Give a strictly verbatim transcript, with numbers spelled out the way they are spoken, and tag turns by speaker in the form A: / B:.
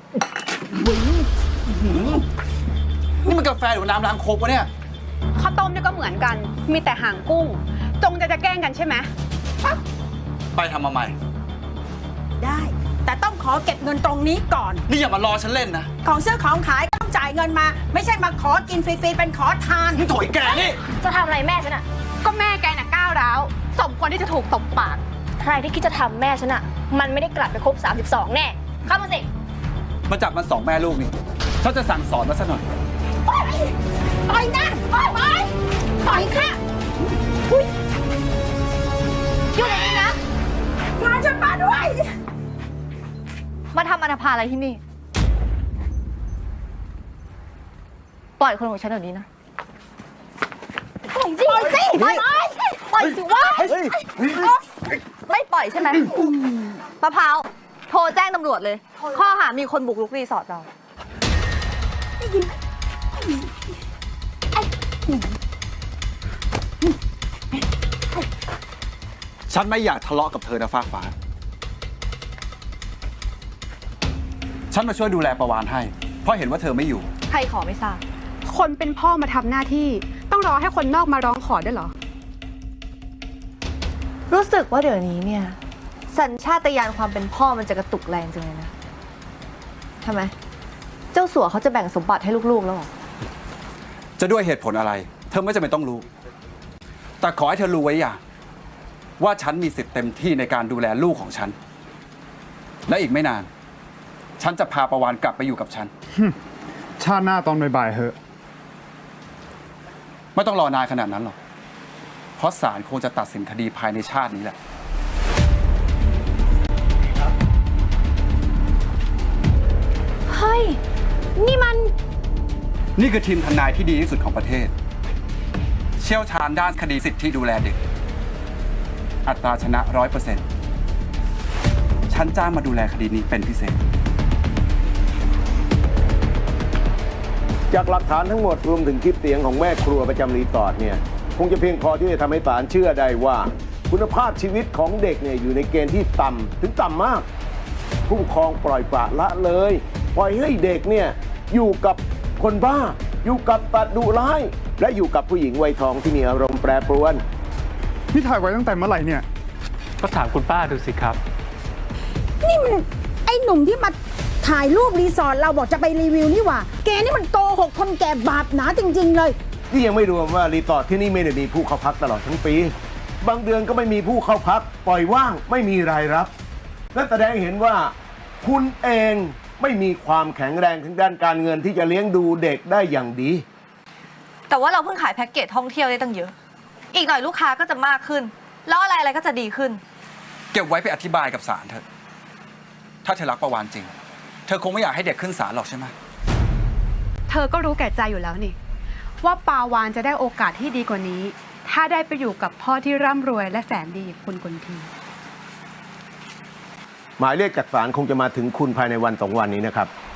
A: นี่มันกาแฟหรือน้ำล้างโคกวะเนี่ย
B: ข้าวต้มเนี่ยก็เหมือนกันมีแต่หางกุ้งจงจะจะแกล้งกันใช่ไหม
A: ไปทำมาใหม่
C: ได้แต่ต้องขอเก็บเงินตรงนี้ก่อน
A: นี่อย่ามารอฉันเล่นนะ
C: ของซื้อของขายต้องจ่ายเงินมาไม่ใช่มาขอกินฟรีๆเป็นขอทาน
A: มึงโถยแกนี่
D: จะทำอะไรแม่ฉันอะ
B: ก็แม่แกน่ะก้าวร้าวสมควรที่จะถูกตบปาก
D: ใครที่คิดจะทำแม่ฉันอะมันไม่ได้กลับไปครบสามสิบสองแน่เข้ามาสิ
A: มาจับมันสองแม่ลูกนี่ฉันจะสั่งสอนมันซะหน่อย
C: ปล่อยปล่อยนะปล่อยปล่อยปล่อยค่ะ
D: อยู่ไหนนี่นะ
C: พาฉันมาด้วย
D: มาทำอนาภาอะไรที่นี่ปล่อยคนของฉันเดี๋ยวนี้นะปล่อยสิปล่อยสิปล่อยปล่อยสิวะไม่ปล่อยใช่ไหมมะพร้าวโทรแจ้งตำรวจเลยข้อหามีคนบุกรุกรีสอร์ทเรา
A: ฉันไม่อยากทะเลาะกับเธอนะฟ้าฟ้าฉันมาช่วยดูแลประวานให้เพราะเห็นว่าเธอไม่อยู่
D: ใครขอไม่ทราบ
B: คนเป็นพ่อมาทำหน้าที่ต้องรอให้คนนอกมาร้องขอด้วยเหรอ
D: รู้สึกว่าเดี๋ยวนี้เนี่ยสัญชาตญาณความเป็นพ่อมันจะกระตุกแรงจังเลยนะทำไมเจ้าสัวเขาจะแบ่งสมบัติให้ลูกๆแล้วหรอ
A: จะด้วยเหตุผลอะไรเธอไม่จำเป็นต้องรู้แต่ขอให้เธอรู้ไว้อย่างว่าฉันมีสิทธิ์เต็มที่ในการดูแลลูกของฉันและอีกไม่นานฉันจะพาประวานกลับไปอยู่กับฉัน
E: ชาติหน้าตอนบ่ายๆเหอะ
A: ไม่ต้องรอนานขนาดนั้นหรอกเพราะศาลคงจะตัดสินคดีภายในชาตินี้แหละ
D: เฮ้ยนี่มัน
A: นี่คือทีมทนายที่ดีที่สุดของประเทศเชี่ยวชาญด้านคดีสิทธิดูแลเด็กอัตราชนะร้อยเปอร์เซ็นต์ฉันจ้างมาดูแลคดีนี้เป็นพิเศษ
F: จากหลักฐานทั้งหมดรวมถึงคลิปเสียงของแม่ครัวประจำรีสอร์ทเนี่ยคงจะเพียงพอที่จะทำให้ศาลเชื่อได้ว่าคุณภาพชีวิตของเด็กเนี่ยอยู่ในเกณฑ์ที่ต่ำถึงต่ำมากผู้ปกครองปล่อยปละละเลยปล่อยให้เด็กเนี่ยอยู่กับคนบ้าอยู่กับตัดดุร้ายและอยู่กับผู้หญิงวัยทองที่มีอารมณ์แปรปรวน
E: นี่ถ่ายไว้ตั้งแต่เมื่อไหร่เนี่ย
G: ก็ถามคุณป้าดูสิครับ
C: นี่มันไอ้หนุ่มที่มาถ่ายรูปรีสอร์ทเราบอกจะไปรีวิวนี่หว่าแกนี่มันโกหกคนแก่บาปหนาจริงๆเลย
F: นี่ยังไม่รวมว่ารีสอร์ทที่นี่ไม่ได้มีผู้เข้าพักตลอดทั้งปีบางเดือนก็ไม่มีผู้เข้าพักปล่อยว่างไม่มีรายรับนั่นแสดงเห็นว่าคุณเองไม่มีความแข็งแรงทางด้านการเงินที่จะเลี้ยงดูเด็กได้อย่างดี
D: แต่ว่าเราเพิ่งขายแพ็กเกจท่องเที่ยวได้ตั้งเยอะอีกหน่อยลูกค้าก็จะมากขึ้นแล้วอะไรอะไรก็จะดีขึ้น
A: เก็บไว้ไปอธิบายกับศาลเถอะถ้าเธอรักประวานจริงเธอคงไม่อยากให้เด็กขึ้นศาลหรอกใช่ไหม
B: เธอก็รู้แก่ใจอยู่แล้วนี่ว่าปาวานจะได้โอกาสที่ดีกว่านี้ถ้าได้ไปอยู่กับพ่อที่ร่ำรวยและแสนดีคุณกุลที
F: หมายเรียกจากศาลคงจะมาถึงคุณภายในวันสองวันนี้นะครับ